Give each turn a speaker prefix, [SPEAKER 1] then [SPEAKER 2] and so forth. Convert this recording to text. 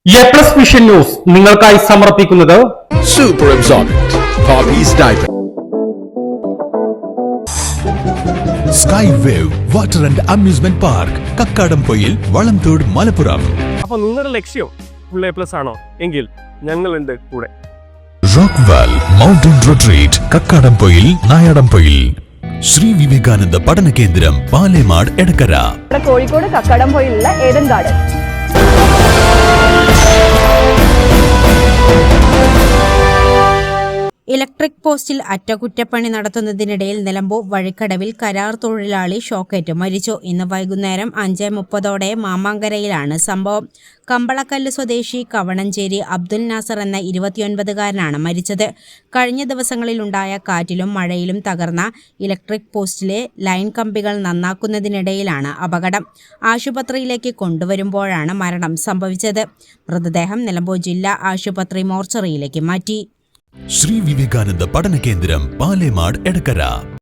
[SPEAKER 1] A+ vision news നിങ്ങൾക്കായി സമർപ്പിക്കുന്നത്
[SPEAKER 2] Super Absorbent Poppy's Diaper.
[SPEAKER 3] Sky Wave Water and Amusement Park, Kakkadampoyil, Valamthode, Malappuram.
[SPEAKER 4] അപ്പോൾ നിങ്ങളുടെ ലക്ഷ്യം ഫുൾ A+ ആണോ എങ്കിൽ ഞങ്ങളുണ്ട് കൂടെ.
[SPEAKER 3] Rockwall mountain retreat, Kakkadampoyil, Nayadampoyil. Sri Vivekananda പഠന കേന്ദ്രം, പാലേമാട്, എടക്കര.
[SPEAKER 5] കോഴിക്കോട് കക്കാടംപൊയിലുള്ള ഏഡൻ ഗാർഡൻ.
[SPEAKER 6] ഇലക്ട്രിക് പോസ്റ്റിൽ അറ്റകുറ്റപ്പണി നടത്തുന്നതിനിടയിൽ നിലമ്പൂർ വഴിക്കടവിൽ കരാർ തൊഴിലാളി ഷോക്കേറ്റ് മരിച്ചു. ഇന്ന് വൈകുന്നേരം 5:30 മാമാങ്കരയിലാണ് സംഭവം. കമ്പളക്കല്ല് സ്വദേശി കവണഞ്ചേരി അബ്ദുൽ നാസർ എന്ന 29-കാരനാണ് മരിച്ചത്. കഴിഞ്ഞ ദിവസങ്ങളിലുണ്ടായ കാറ്റിലും മഴയിലും തകർന്ന ഇലക്ട്രിക് പോസ്റ്റിലെ ലൈൻ കമ്പികൾ നന്നാക്കുന്നതിനിടയിലാണ് അപകടം. ആശുപത്രിയിലേക്ക് കൊണ്ടുവരുമ്പോഴാണ് മരണം സംഭവിച്ചത്. മൃതദേഹം നിലമ്പൂർ ജില്ലാ ആശുപത്രി മോർച്ചറിയിലേക്ക് മാറ്റി.
[SPEAKER 3] ശ്രീ വിവേകാനന്ദ പഠന കേന്ദ്രം, പാലേമാട്, എടക്കര.